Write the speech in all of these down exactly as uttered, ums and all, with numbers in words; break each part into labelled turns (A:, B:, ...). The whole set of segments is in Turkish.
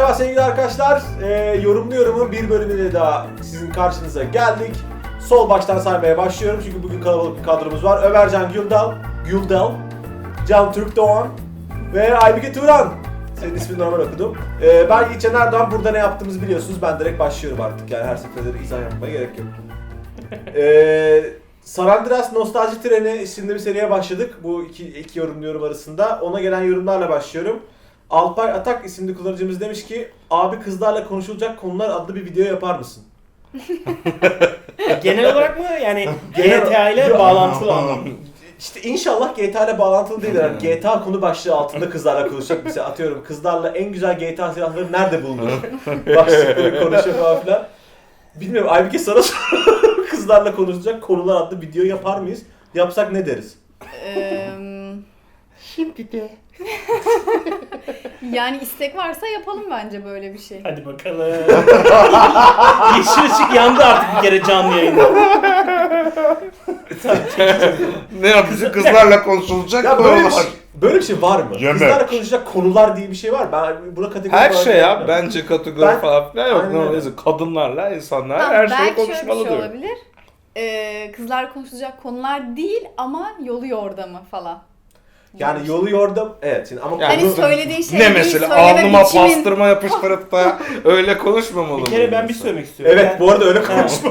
A: Merhaba sevgili arkadaşlar. Ee, yorumlu yorumun bir bölümüyle daha sizin karşınıza geldik. Sol baştan saymaya başlıyorum çünkü bugün kalabalık bir kadromuz var. Ömercan Güldal, Güldal, Can Türk Doğan ve Aybüke Turan. Senin ismini normal okudum. Ee, ben Yiğitcan Erdoğan. Burada ne yaptığımızı biliyorsunuz. Ben direkt başlıyorum artık. Yani her seferinde izah yapmaya gerek yok. Ee, San Andreas Nostalji Treni isimli bir seriye başladık. Bu iki, iki yorumlu yorum arasında. Ona gelen yorumlarla başlıyorum. Alpay Atak isimli kullanıcımız demiş ki abi kızlarla konuşulacak konular adlı bir video yapar mısın?
B: Genel olarak mı yani G T A ile bağlantılı anlamda?
A: İşte inşallah G T A ile bağlantılı değil. Yani G T A konu başlığı altında kızlarla konuşacak. Mesela atıyorum kızlarla en güzel G T A silahları nerede bulunur? Başlıkları konuşuyor falan filan. Bilmiyorum Aybüke sana soruyorum. Kızlarla konuşacak konular adlı video yapar mıyız? Yapsak ne deriz?
C: Eee
B: Şimdi de.
C: yani istek varsa yapalım bence böyle bir şey.
B: Hadi bakalım. Yeşil ışık yandı artık bir kere canlı yayında.
D: Ne yapacak? Kızlarla konuşulacak
A: Ya böyle bir
D: konular.
A: şey, böyle bir şey var mı?
D: Yemek.
A: Kızlarla konuşacak konular diye bir şey var. Ben buna kategori
D: Her
A: olarak
D: şey ya.
A: yapmıyorum.
D: Bence kategori
A: Ben-
D: falan filan yok.
A: Aynen öyle.
D: Neyse, kadınlarla insanlar
C: Tamam,
D: her şeyi
C: belki
D: konuşmalı
C: şöyle bir şey
D: diyor.
C: olabilir. Ee, kızlar konuşulacak konular değil ama yolu yordamı falan.
A: Yani yolu yordam evet şimdi ama
D: Yani
C: Hani
A: konu-
C: söylediğin şey
D: Ne
C: değil,
D: mesela
C: söyleme
D: alnıma
C: biçimin-
D: pastırma yapıştırıp da öyle konuşmamalı
B: Bir
D: mı
B: kere ben bir
D: insan?
B: söylemek istiyorum.
A: Evet
B: Ben-
A: bu arada öyle
B: Ha.
A: konuşma.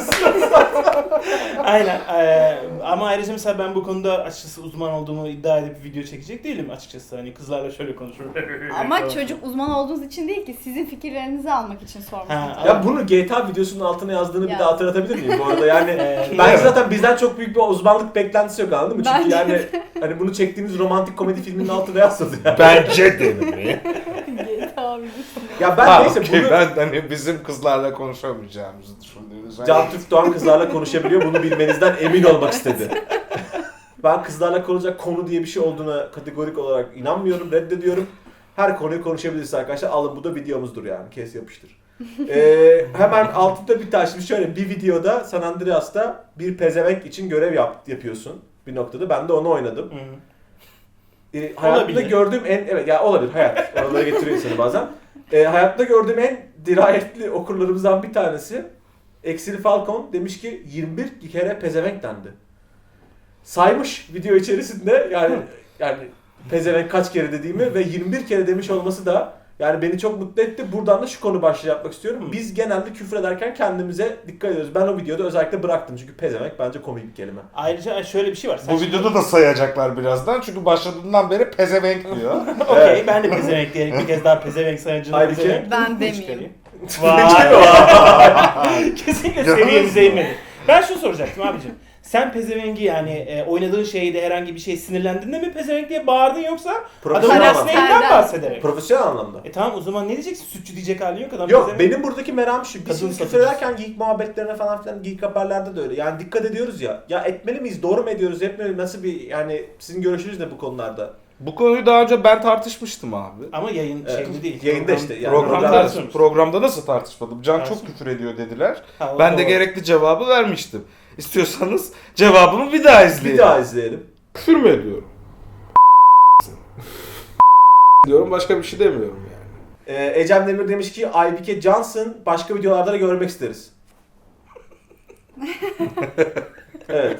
B: Aynen. Ee, ama ayrıca mesela ben bu konuda açıkçası uzman olduğumu iddia edip video çekecek değilim açıkçası. Hani kızlarla şöyle konuşurum.
C: Ama çocuk uzman olduğunuz için değil ki sizin fikirlerinizi almak için sormuştum.
B: Ha,
A: Ya bunu G T A videosunun altına yazdığını bir
C: Ya.
A: daha hatırlatabilir miyim bu arada? Yani
B: Ee,
A: bence zaten bizden çok büyük bir uzmanlık beklentisi yok anladın mı? Çünkü
C: Bence
A: yani hani bunu çektiğimiz romantik komedi filminin altına yazsadı yani.
D: Bence de mi?
C: G T A videosu.
A: Ya ben
D: Ha,
A: neyse
D: okey,
A: bunu
D: ben hani bizim kızlarla konuşamayacağımızı düşündüğünüz
A: Can Türk Doğan kızlarla konuşabiliyor. Bunu bilmenizden emin olmak istedi. Ben kızlarla konuşacak konu diye bir şey olduğuna kategorik olarak inanmıyorum, reddediyorum. Her konuyu konuşabiliriz arkadaşlar. Alın bu da videomuzdur yani. Kes yapıştır. Ee, hemen altında bir tane şimdi şöyle bir videoda San Andreas'ta bir pezevenk için görev yap, yapıyorsun bir noktada. Ben de onu oynadım.
B: Hı.
A: Ee, hayatımda
B: Olabilir.
A: gördüğüm en evet ya olabilir hayat. Oralara getiriyor insanı bazen. Ee, hayatımda gördüğüm en dirayetli okurlarımızdan bir tanesi Exil Falcon demiş ki yirmi bir kere pezevenk dendi. Saymış video içerisinde yani yani pezevenk kaç kere dediğimi ve yirmi bir kere demiş olması da yani beni çok mutlu etti. Buradan da şu konu başlığı yapmak istiyorum. Biz genelde küfür ederken kendimize dikkat ediyoruz. Ben o videoda özellikle bıraktım çünkü pezevenk bence komik bir kelime.
B: Ayrıca şöyle bir şey var. Sen
D: Bu videoda da sayacaklar birazdan çünkü başladığından beri pezevenk diyor.
B: Okey
A: Evet.
B: ben de pezevenk diyerek bir kez daha pezevenk sayıcını
A: Aybüke?
B: pezevenk.
C: Ben
B: Bu
C: demeyeyim.
B: çıkarayım. Vay. Kesinlikle seviyemize inmedi. Ben şunu soracaktım abicim. Sen pezevengi yani e, oynadığın şeyde herhangi bir şey sinirlendiğinde mi pezevenk diye bağırdın yoksa adamın
A: Profesyonel
B: mesleğinden
C: anlamda.
B: bahsederek?
A: Profesyonel anlamda.
B: E tamam o zaman ne diyeceksin? Sütçü diyecek halin yok adam
A: Yok
B: pezevenk-
A: benim buradaki meram şu. Biz
B: Kadın
A: şimdi küfür
B: satıcısı.
A: ederken geek muhabbetlerine falan filan geek haberlerde de öyle. Yani dikkat ediyoruz ya. Ya etmeli miyiz? Doğru mu ediyoruz? Etmeli miyiz? Nasıl bir yani sizin görüşünüz ne bu konularda?
D: Bu konuyu daha önce ben tartışmıştım abi.
B: Ama yayın
A: Evet.
B: şeyinde değil.
A: Yayında
B: Program-
A: işte, yani
D: Programda,
A: program-
B: tartışıyoruz.
D: programda nasıl tartışmadım? Can çok
B: Tartışma.
D: küfür ediyor dediler.
B: Ha, o
D: Ben de
B: doğru.
D: gerekli cevabı vermiştim. İstiyorsanız cevabımı bir daha izleyin.
A: Bir daha izleyelim.
D: Küfür mü ediyorum? diyorum başka bir şey demiyorum yani.
A: Ee, Ecem Demir demiş ki Aybüke Johnson başka videolarda da görmek isteriz. Evet.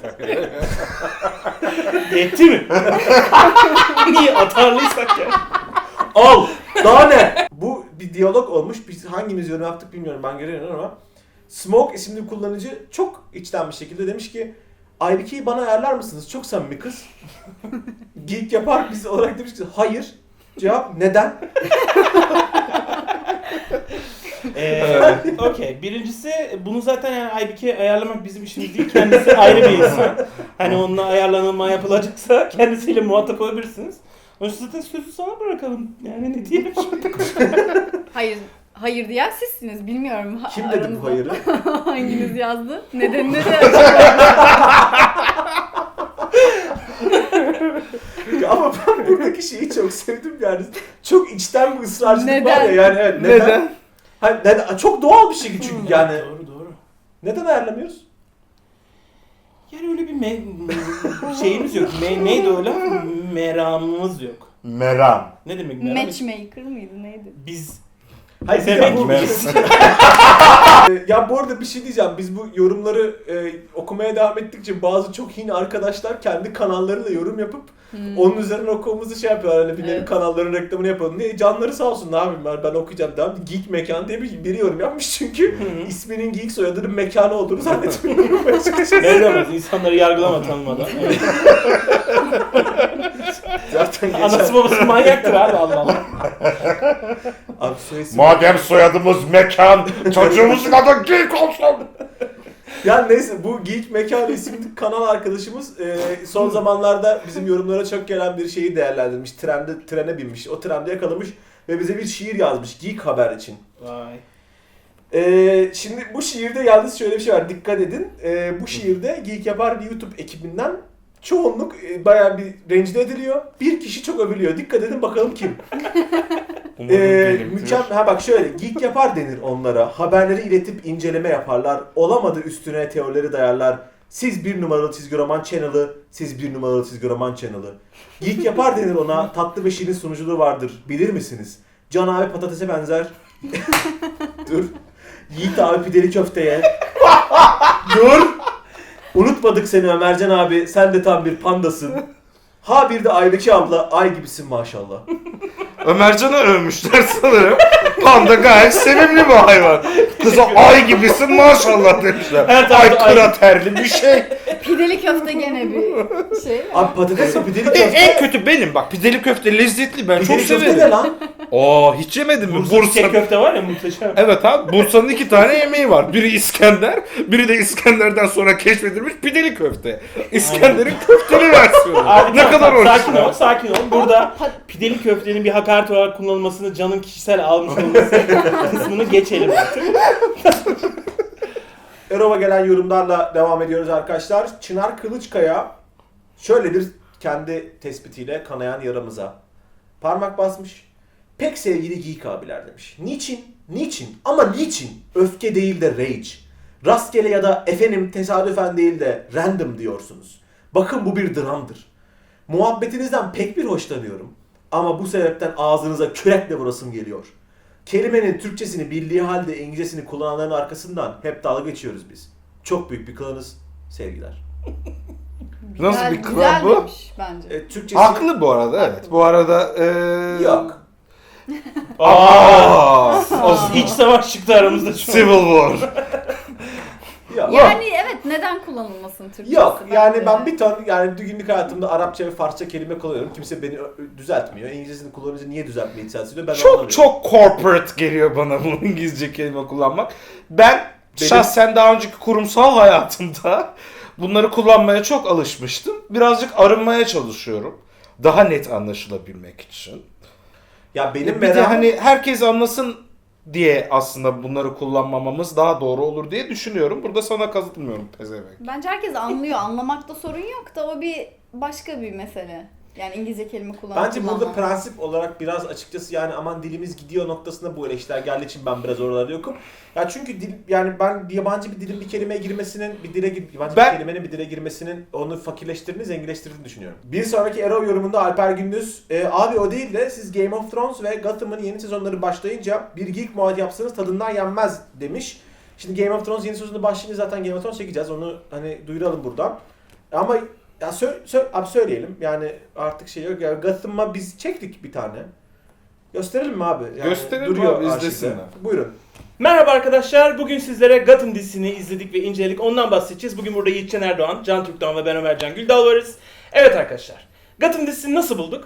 B: Yetti mi? Niye atarlıysak ya?
A: Al! Daha ne? Bu bir diyalog olmuş. Biz hangimiz yorum yaptık bilmiyorum. Ben görüyorum ama Smoke isimli bir kullanıcı çok içten bir şekilde demiş ki Aybüke'yi bana ayarlar mısınız? Çok samimi kız. Geek yapar biz olarak demiş ki hayır. Cevap neden?
B: Ee, Okey. Birincisi bunu zaten yani Aybüke'ye ayarlamak bizim işimiz değil. Kendisi ayrı bir insan. Hani onunla ayarlanma yapılacaksa kendisiyle muhatap olabilirsiniz. O yüzden zaten sözü sana bırakalım. Yani ne diyelim şimdi?
C: Hayır, hayır diyen sizsiniz. Bilmiyorum. ha-
A: Kim dedi bu
C: aranızda
A: hayırı?
C: Hanginiz yazdı? Nedenini de
A: Ya ama ben buradaki şeyi çok sevdim yani. Çok içten bir ısrarcılık var
C: Neden?
A: ya yani evet. Neden?
D: Neden?
A: Hani neden? Çok doğal bir şey çünkü yani.
B: Doğru doğru.
A: Neden ayarlamıyoruz?
B: Yani öyle bir me- şeyimiz yok. Me- neydi öyle? Meramımız yok.
D: Meram.
B: Ne demek meram?
C: matchmaker mıydı neydi?
B: Biz
A: Hayır, bir de
B: Demek
A: bu-
B: ki-
A: Ee, ya bu arada bir şey diyeceğim. Biz bu yorumları e, okumaya devam ettikçe bazı çok hin arkadaşlar kendi kanallarıyla yorum yapıp
C: Hmm.
A: onun üzerine okumamızı şey yapıyorlar. Hani bir nevi
C: Evet.
A: kanalların reklamını yapalım diye. Canları sağ olsun, ne yapayım ben, ben okuyacağım. Devam. Geek Mekan diye bir, biri yorum yapmış çünkü
B: Hı.
A: isminin Geek soyadının mekanı olduğunu zannetmiyorum.
B: Belli olmaz. İnsanları yargılama tanımadan. Evet.
A: Zaten geçen...
B: Anası babası manyaktır abi, Allah Allah.
A: Abi soy isim-
D: Madem soyadımız mekan, çocuğumuzun adı Geek olsun.
A: Ya neyse, bu Geek Mekan isimli kanal arkadaşımız e, son zamanlarda bizim yorumlara çok gelen bir şeyi değerlendirmiş. Trende, trene binmiş. O trende yakalamış ve bize bir şiir yazmış Geek Haber için.
B: Vay.
A: E, şimdi bu şiirde yalnız şöyle bir şey var. Dikkat edin. E, bu şiirde Geek Yapar bir YouTube ekibinden çoğunluk e, bayağı bir rencide ediliyor. Bir kişi çok övülüyor. Dikkat edin bakalım kim?
D: Umarım
A: Ee,
D: benimdir.
A: mükemmel. Ha bak şöyle, geek yapar denir onlara. Haberleri iletip inceleme yaparlar. Olamadı üstüne teorileri dayarlar. Siz bir numaralı çizgi roman channel'ı, siz bir numaralı çizgi roman channel'ı. Geek yapar denir ona. Tatlı ve şirin sunuculuğu vardır. Bilir misiniz? Can abi patatese benzer. Dur. Yiğit abi pideli köfteye. Dur. Unutmadık seni Ömercan abi. Sen de tam bir pandasın. Ha bir de Aybeki abla, ay gibisin maşallah.
D: Ömercan'ı övmüşler sanırım. Panda gayet sevimli bir hayvan. Kıza ay gibisin maşallah demişler.
B: Her
D: Ay
B: tarafta ay.
D: kraterli bir şey.
C: Pideli köfte gene bir şey.
A: Abi patates ve pideli
D: En,
A: köfte.
D: en kötü benim bak, pideli köfte lezzetli, ben çok
A: Pideli köfte ne
D: severim.
A: lan?
D: Aa, hiç yemedin mi?
B: Bursa
D: Bursa.
B: çiçek köfte var ya, muhteşem.
D: Evet abi, Bursa'nın iki tane yemeği var. Biri İskender, biri de İskender'den sonra keşfedilmiş pideli köfte. İskender'in köfteli versiyonu.
B: Abi,
D: ne
B: tamam,
D: kadar
B: tamam, sakin ol,
D: orijinal.
B: sakin ol. Burada pideli köftenin bir hakaret olarak kullanılmasını, canın kişisel almış olması kısmını geçelim artık.
A: Erova gelen yorumlarla devam ediyoruz arkadaşlar. Çınar Kılıçkaya şöyle bir kendi tespitiyle kanayan yaramıza parmak basmış. Pek sevgili Geek abiler demiş. Niçin? Niçin? Ama niçin? Öfke değil de rage. Rastgele ya da efendim tesadüfen değil de random diyorsunuz. Bakın bu bir dramdır. Muhabbetinizden pek bir hoşlanıyorum. Ama bu sebepten ağzınıza kürekle vurasım geliyor. Kelimenin Türkçesini bildiği halde İngilizcesini kullananların arkasından hep dalga geçiyoruz biz. Çok büyük bir klanız. Sevgiler.
D: Nasıl bir klan
C: güzel
D: bu?
C: demiş bence.
A: E, Türkçesi...
D: Haklı bu arada, evet.
C: Haklı.
D: Bu arada eee
A: Yok.
D: Aa,
B: O iç savaş çıktı aramızda şu an.
D: Civil War.
A: Yok.
C: Yani evet, neden kullanılmasın Türkçesi?
A: Yok. Yani
C: bence?
A: ben bir ton yani günlük hayatımda Arapça ve Farsça kelime kullanıyorum. Kimse beni ö- düzeltmiyor. İngilizcesini kullanınca niye düzeltmeyi ithal ediyor? Ben
D: Çok
A: anlamıyorum.
D: çok corporate geliyor bana bu İngilizce kelime kullanmak. Ben
A: Benim-
D: şahsen daha önceki kurumsal hayatımda bunları kullanmaya çok alışmıştım. Birazcık arınmaya çalışıyorum. Daha net anlaşılabilmek için.
A: Ya benim
D: Bir de
A: merakım...
D: hani herkes anlasın diye aslında bunları kullanmamamız daha doğru olur diye düşünüyorum. Burada sana katılmıyorum pezevenk.
C: Bence herkes anlıyor. Anlamakta sorun yok da o bir başka bir mesele. Yani İngilizce kelime kullanmak.
A: Bence burada prensip olarak biraz açıkçası yani aman dilimiz gidiyor noktasında bu eleştiriler geldiği için ben biraz oralarda yokum. Ya çünkü dil, yani ben yabancı bir dilin bir kelimeye girmesinin, bir dile gir- yabancı
D: Ben-
A: bir kelimenin bir dile girmesinin onu fakirleştirdiğini, zenginleştirdiğini düşünüyorum. Bir sonraki Erol yorumunda Alper Gündüz, e, abi o değil de siz Game of Thrones ve Gotham'ın yeni sezonları başlayınca bir geek muad yapsanız tadından yenmez demiş. Şimdi Game of Thrones yeni sezonu başlayınca zaten Game of Thrones çekeceğiz. Onu hani duyuralım buradan. Ama ya sö sö abi söyleyelim. Yani artık şey yok. Ya Gotham'a biz çektik bir tane. Gösterelim mi abi? Yani
D: Gösterelim
A: duruyor
D: abi,
A: arşivde.
D: izlesinler.
A: Buyurun.
B: Merhaba arkadaşlar. Bugün sizlere Gotham dizisini izledik ve inceledik. Ondan bahsedeceğiz. Bugün burada Yiğitcan Erdoğan, Can Türkdoğan ve ben Ömercan Güldal varız. Evet arkadaşlar. Gotham dizisini nasıl bulduk?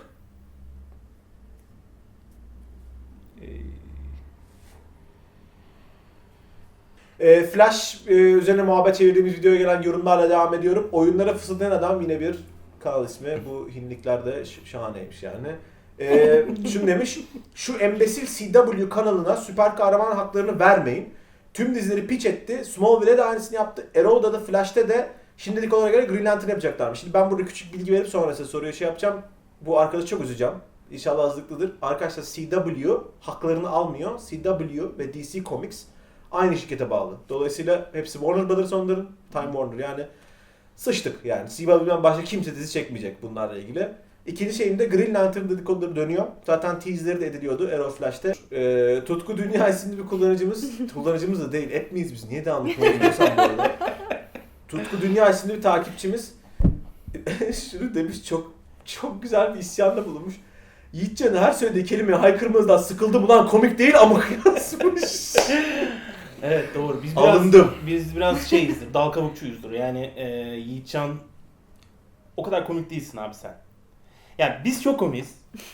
A: E, Flash e, üzerine muhabbet çevirdiğimiz videoya gelen yorumlarla devam ediyorum. Oyunlara fısıldayan adam yine bir kanal ismi. Bu hinliklerde ş- şahaneymiş yani. E, şunu demiş. Şu embesil C W kanalına süper kahraman haklarını vermeyin. Tüm dizileri pitch etti. Smallville'e de aynısını yaptı. Arrow'da da Flash'te de şimdilik olarak göre Green Lantern yapacaklarmış. Şimdi ben burada küçük bilgi verip sonra size soruya şey yapacağım. Bu arkadaşı çok üzeceğim. İnşallah azlıklıdır. Arkadaşlar C W haklarını almıyor. C W ve D C Comics aynı şirkete bağlı. Dolayısıyla hepsi Warner Brothers onların. Time Warner yani. Sıçtık yani. C W'den başka kimse dizi çekmeyecek bunlarla ilgili. İkinci şeyimde Green Lantern dedikoduları dönüyor. Zaten teaserleri de ediliyordu Arrow Flash'te. Ee, Tutku Dünya isimli bir kullanıcımız, kullanıcımız da değil, app miyiz biz? Niye devamlı kullanıyorsam bu arada? Tutku Dünya isimli bir takipçimiz şunu demiş, çok çok güzel bir isyanda bulunmuş. Yiğitcan her söylediği kelimeye haykırmanızdan sıkıldım ulan, komik değil ama yazmış.
B: Evet doğru. Biz biraz,
A: Alındım.
B: Biz biraz şeyizdir, dal kabukçuyuzdur. Yani e, Yiğitcan o kadar komik değilsin abi sen. Yani biz çok komiyiz.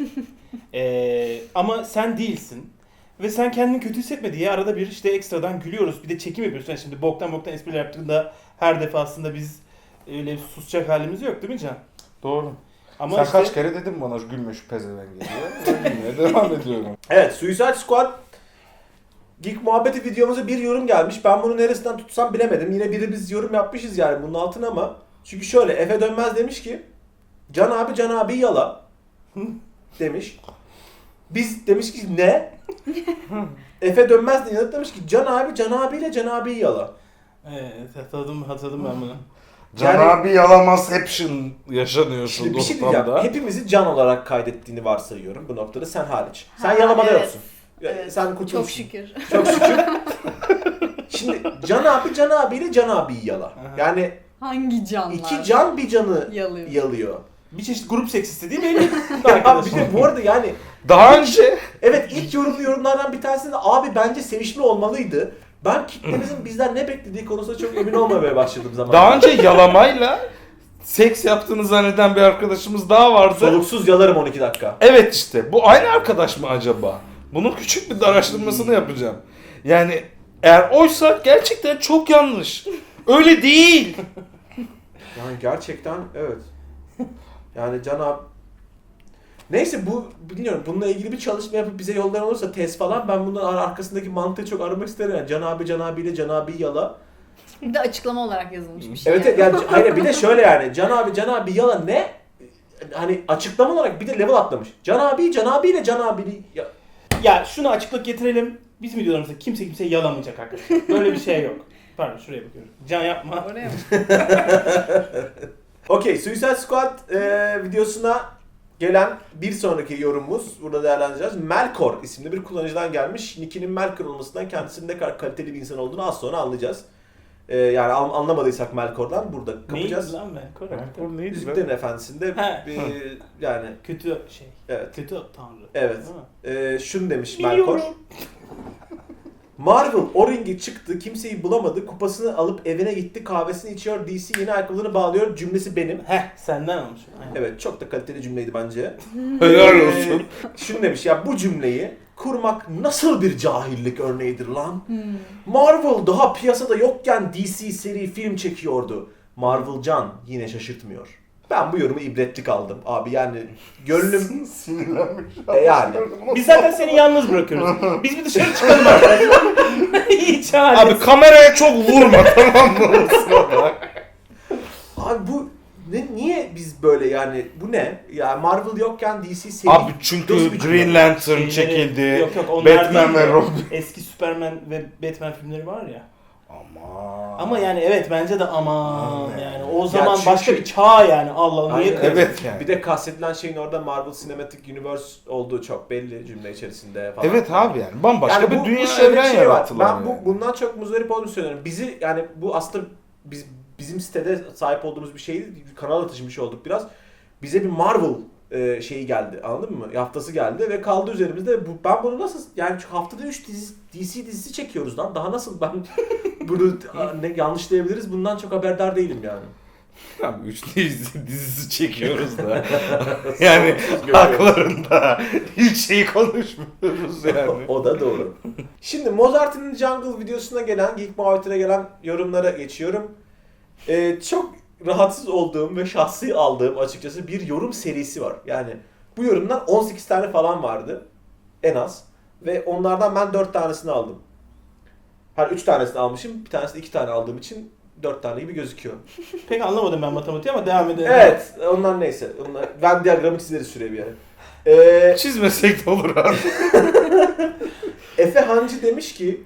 B: e, ama sen değilsin. Ve sen kendini kötü hissetme diye arada bir işte ekstradan gülüyoruz. Bir de çekim yapıyoruz. Yani şimdi boktan boktan espriler yaptığında her defasında biz öyle susacak halimiz yok değil mi Can?
D: Doğru.
B: Ama
D: Sen
B: işte,
D: kaç kere dedin bana gülmüş pezevenk diye. Ben yine devam ediyorum.
A: Evet, Suicide Squad Geek Muhabbeti videomuza bir yorum gelmiş. Ben bunu neresinden tutsam bilemedim. Yine biri biz yorum yapmışız yani bunun altına ama. Çünkü şöyle, Efe Dönmez demiş ki Can abi Can abi yala demiş. Biz demiş ki ne? Efe Dönmez de yanıt demiş ki Can abi Can abiyle Can abi yala.
B: evet hatırladım, hatırladım ben bunu.
D: Can
A: Yani-
D: abi yalamazception yaşanıyor şu
A: Şimdi bir şey diyeceğim.
D: ortamda.
A: Hepimizi Can olarak kaydettiğini varsayıyorum bu noktada, sen hariç. Sen
C: Ha,
A: yalamada
C: evet.
A: yoksun.
C: Evet.
A: Sen kurtulmuşsun.
C: Çok şükür.
A: Çok şükür. Şimdi Can abi Can abiyle Can abiyi yala.
B: Aha.
A: Yani
C: Hangi canlar?
A: iki can bir canı
C: Yalıyor.
A: yalıyor.
B: Bir çeşit grup seksisti değil mi? Benim
A: Ya bir de bu arada yani
D: Daha önce
A: evet, ilk yorumlu yorumlardan bir tanesinde abi bence sevişme olmalıydı. Ben kitlemizin bizden ne beklediği konusunda çok emin olmamaya başladım zamanla.
D: daha önce yalamayla seks yaptığını zanneden bir arkadaşımız daha vardı.
A: Soluksuz yalarım on iki dakika.
D: Evet işte bu aynı arkadaş mı acaba? Bunun küçük bir araştırmasını yapacağım. Yani eğer oysa gerçekten çok yanlış. Öyle değil.
A: Yani gerçekten evet. Yani Can abi... Neyse bu bilmiyorum, bununla ilgili bir çalışma yapıp bize yollayan olursa test falan, ben bunun ar- arkasındaki mantığı çok aramak isterim. Yani Can abi Can abiyle Can abi yala.
C: Bir de açıklama olarak yazılmış bir şey.
A: Evet evet, yani hayır bir de şöyle yani Can abi Can abi yala ne? Hani açıklama olarak bir de level atlamış. Can abi Can abiyle Can abiyle ya...
B: Ya şunu açıklık getirelim. Bizim videolarımızda kimse kimseyi yalamayacak arkadaşlar. Böyle bir şey yok. Pardon şuraya bakıyorum. Can yapma.
C: Oraya mı?
A: Okey, Suicide Squad e, videosuna gelen bir sonraki yorumumuz, burada değerlendireceğiz. Melkor isimli bir kullanıcıdan gelmiş. Nick'inin Melkor olmasından kendisinin ne kadar kaliteli bir insan olduğunu az sonra anlayacağız. E, yani an- anlamadıysak Melkor'dan burada kapacağız.
B: Neydi lan ben? Korek.
D: Bu neydi
A: Yüzüklerin
D: be?
A: Efendisi'nde
B: He.
A: bir, yani
B: Kötü şey.
A: evet.
B: Kötü tanrı.
A: Evet.
B: Değil mi?
A: E, şunu demiş Melkor.
B: Biliyorum.
A: Marvel o ringe çıktı, kimseyi bulamadı, kupasını alıp evine gitti, kahvesini içiyor, D C yeni ayakkabılarını bağlıyor, cümlesi benim.
B: Heh senden almış. Aynen.
A: Evet, çok da kaliteli cümleydi bence.
D: Helal
A: Ee,
D: olsun.
A: Şunu demiş ya, bu cümleyi kurmak nasıl bir cahillik örneğidir lan?
C: Hmm.
A: Marvel daha piyasada yokken D C seri film çekiyordu. Marvel can yine şaşırtmıyor. Ben bu yorumu ibretlik aldım abi, yani gönlüm
D: Sinirlenmiş.
A: e yani.
B: Biz zaten seni yalnız bırakıyoruz. Biz bir dışarı çıkalım arkadaşlar. Hiç haliniz.
D: Abi kameraya çok vurma tamam mı?
A: Abi bu ne, niye biz böyle yani, bu ne? Ya Marvel yokken D C seri...
D: Abi çünkü
A: Nasıl bir cümle?
D: Green Lantern
B: Şeyleri-
D: çekildi.
B: Yok yok onlar
D: Batman
B: değil
D: ve
B: de
D: Robin.
B: Eski Superman ve Batman filmleri var ya.
D: Ama.
B: Ama yani evet bence de aman
D: Aman.
B: yani o zaman
A: çünkü-
B: başka bir çağ yani Allah niye
A: Aynen.
B: kırdın?
D: Evet yani.
A: Bir de kastedilen şeyin orada Marvel Cinematic Universe olduğu çok belli cümle içerisinde falan.
D: Evet abi yani bambaşka
A: Yani
D: bir
A: bu-
D: dünya
A: bu şöyle bir
D: evren
A: şey var.
D: yarattılar.
A: Ben
D: yani.
A: bu, bundan çok muzdarip olduğumu söylüyorum. Bizi yani bu aslında biz bizim sitede sahip olduğumuz bir şeydi. Kanala taşımış olduk biraz. Bize bir Marvel e, şeyi geldi. Anladın mı? Haftası geldi ve kaldı üzerimizde. Bu, ben bunu nasıl yani çünkü haftada üç dizi, D C dizisi çekiyoruz lan. Daha nasıl ben bunu ne yanlışlayabiliriz? Bundan çok haberdar değilim yani.
D: Abi üç dizi, dizisi çekiyoruz da. Yani haklarında hiç şey konuşmuyoruz yani.
A: O da doğru. Şimdi Mozart'ın Jungle videosuna gelen, Geek Muhabbeti'ne gelen yorumlara geçiyorum. Ee, çok rahatsız olduğum ve şahsi aldığım açıkçası bir yorum serisi var. Yani bu yorumdan on sekiz tane falan vardı en az. Ve onlardan ben dört tanesini aldım. Her üç tanesini almışım, bir tanesini iki tane aldığım için dört tane gibi gözüküyor.
B: Pek anlamadım ben matematiği ama devam edelim.
A: Evet, onlar neyse. Onlar, ben diyagramı çizeriz şuraya bir yere. Ee,
D: Çizmesek de olur abi.
A: Efe Hancı demiş ki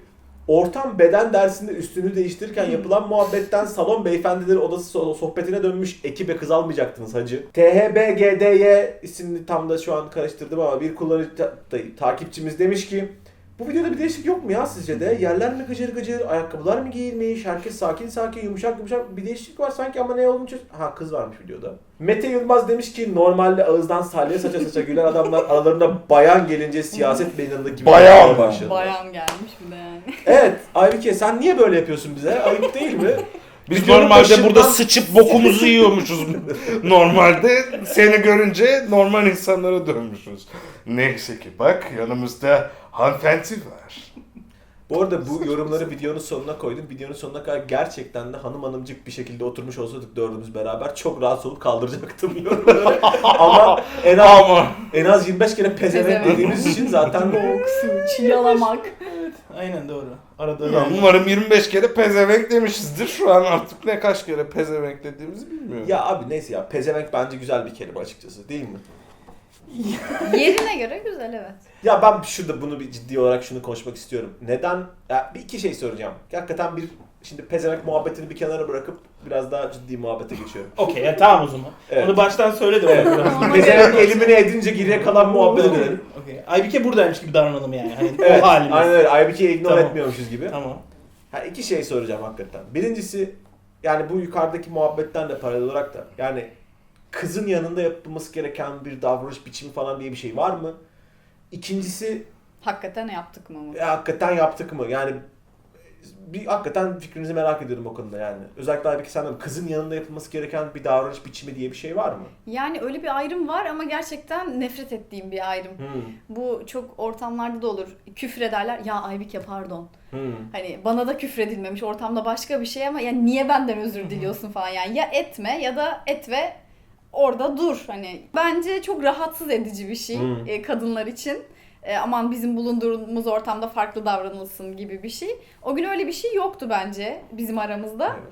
A: Ortam beden dersinde üstünü değiştirirken yapılan muhabbetten salon beyefendileri odası so- sohbetine dönmüş ekibe kız almayacaktınız hacı. T H B G D Y isimli tam da şu an karıştırdım ama bir kullanıcı ta- ta- takipçimiz demiş ki bu videoda bir değişiklik yok mu ya sizce de? Yerler mi gıcır gıcır, ayakkabılar mı giyilmiş, herkes sakin sakin, yumuşak yumuşak bir değişiklik var sanki ama ne olduğunu çöz... Ha kız varmış videoda. Mete Yılmaz demiş ki normalde ağızdan salya saça saça gülen adamlar aralarında bayan gelince siyaset meydanında gibi
D: Bayan
A: olmaya
D: mı?
A: başladı.
C: Bayan gelmiş bir de yani.
A: Evet Aybike sen niye böyle yapıyorsun bize? Ayıp değil mi?
D: Biz
A: Videonun
D: normalde
A: başından-
D: burada sıçıp bokumuzu yiyormuşuz. Normalde seni görünce normal insanlara dönmüşüz. Neyse ki bak yanımızda hanımefendi var.
A: Bu arada bu yorumları videonun sonuna koydum. Videonun sonuna kadar gerçekten de hanım hanımcık bir şekilde oturmuş olsaydık dördümüz beraber çok rahat olup kaldıracaktım yorumları. Ama en az,
D: Ama
A: en az yirmi beş kere pezevenk
C: Pezevenk.
A: dediğimiz için zaten
C: Boğuk su, çiğalamak.
B: Aynen doğru. Arada
D: ya
B: yani.
D: umarım yirmi beş kere pezevenk demişizdir. Şu an artık ne kaç kere pezevenk dediğimizi bilmiyorum.
A: ya abi neyse ya pezevenk bence güzel bir kelime açıkçası değil mi?
C: Yerine göre güzel evet.
A: Ya ben şurada bunu bir ciddi olarak şunu konuşmak istiyorum. Neden? Ya bir iki şey soracağım. Hakikaten bir şimdi pezevenk muhabbetini bir kenara bırakıp biraz daha ciddi muhabbete geçiyorum.
B: Okey ya tamam o zaman.
A: Evet.
B: Onu baştan söyle de.
A: Evet.
B: Biraz.
A: Pezevenk elimine edince geriye kalan muhabbete dönelim.
B: Okey. Aybike buradaymış gibi davranalım yani. Hani
A: Evet,
B: o halimiz.
A: aynen öyle. Aybike'yi ignore
B: Tamam.
A: etmiyormuşuz gibi.
B: Tamam.
A: Ha, iki şey soracağım hakikaten. Birincisi, yani bu yukarıdaki muhabbetten de paralel olarak da, yani kızın yanında yapılması gereken bir davranış biçimi falan diye bir şey var mı? İkincisi,
C: Hakikaten yaptık mı?
A: e, hakikaten yaptık mı? Yani bir hakikaten fikrinizi merak ediyorum o konuda yani. Özellikle Aybike senden kızın yanında yapılması gereken bir davranış biçimi diye bir şey var mı?
C: Yani öyle bir ayrım var ama gerçekten nefret ettiğim bir ayrım.
A: Hmm.
C: Bu çok ortamlarda da olur. Küfür ederler. Ya Aybike pardon.
A: Hmm.
C: Hani bana da küfredilmemiş. Ortamda başka bir şey ama yani niye benden özür diliyorsun falan yani. Ya etme ya da et ve orada dur. Hani bence çok rahatsız edici bir şey
A: Hmm.
C: e, kadınlar için. E, aman bizim bulunduğumuz ortamda farklı davranılsın gibi bir şey. O gün öyle bir şey yoktu bence bizim aramızda.
A: Evet.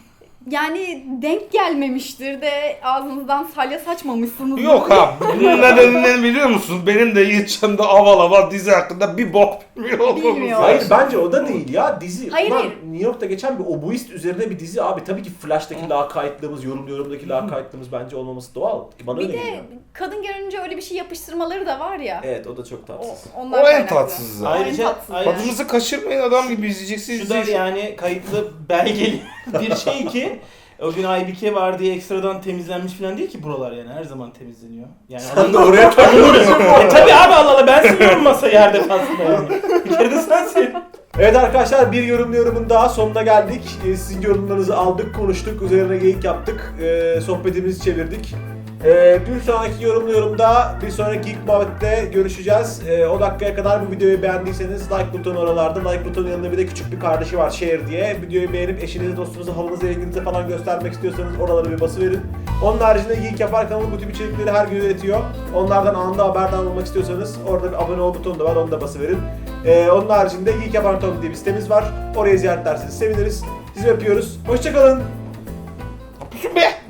C: Yani denk gelmemiştir de ağzınızdan salya saçmamışsınız.
D: Yok abi bunun nedenini biliyor musun? Benim de Yiğitcan'da aval aval dizi hakkında bir bok bilmiyor olmamız
C: Bilmiyor.
A: Hayır
D: lazım.
A: bence o da değil ya dizi.
C: Hayır,
A: Ulan
C: hayır.
A: New York'ta geçen bir oboist üzerine bir dizi abi. Tabii ki Flash'taki lakaytlığımız, yorum yorumdaki lakaytlığımız bence olmaması doğal. Bana
C: Bir
A: öyle
C: de
A: geliyor.
C: kadın görünce öyle bir şey yapıştırmaları da var ya.
A: Evet o da çok
C: O,
A: tatsız.
C: onlar
D: O en
C: kaynaklı.
D: tatsızı.
C: O en
B: Ayrıca-
C: tatsızı.
B: ayrıca-
D: Tadınızı kaçırmayın adam gibi izleyeceksiniz.
B: Şu da
D: izleyeceksiniz.
B: yani kayıtlı belgeli bir şey ki o gün Aybike var diye ekstradan temizlenmiş falan değil ki buralar yani her zaman temizleniyor. Yani
A: Sen de oraya takılıyorsun.
B: e tabi abi Allah Allah ben siliyorum masayı her defasında yani. Bir kere de sen sil.
A: Evet arkadaşlar bir yorum yorumun daha sonuna geldik. Ee, sizin yorumlarınızı aldık, konuştuk, üzerine geyik yaptık, ee, sohbetimizi çevirdik. Ee, bir sonraki yorumlu yorumda, bir sonraki Geek Muhabbet'te görüşeceğiz. Ee, o dakikaya kadar bu videoyu beğendiyseniz like butonu oralarda, like butonun yanında bir de küçük bir kardeşi var share diye. Videoyu beğenip eşinize, dostunuza, halınıza, ilginize falan göstermek istiyorsanız oralara bir basıverin. Onun haricinde Geek Yapar kanalı bu tip içerikleri her gün üretiyor. Onlardan anında haberdar olmak istiyorsanız orada bir abone ol butonu da var, onu da basıverin. Ee, onun haricinde Geek Yapar nokta com diye bir sitemiz var. Oraya ziyaret ederseniz seviniriz. Sizi öpüyoruz. Hoşçakalın.
D: Yapıyorsun be.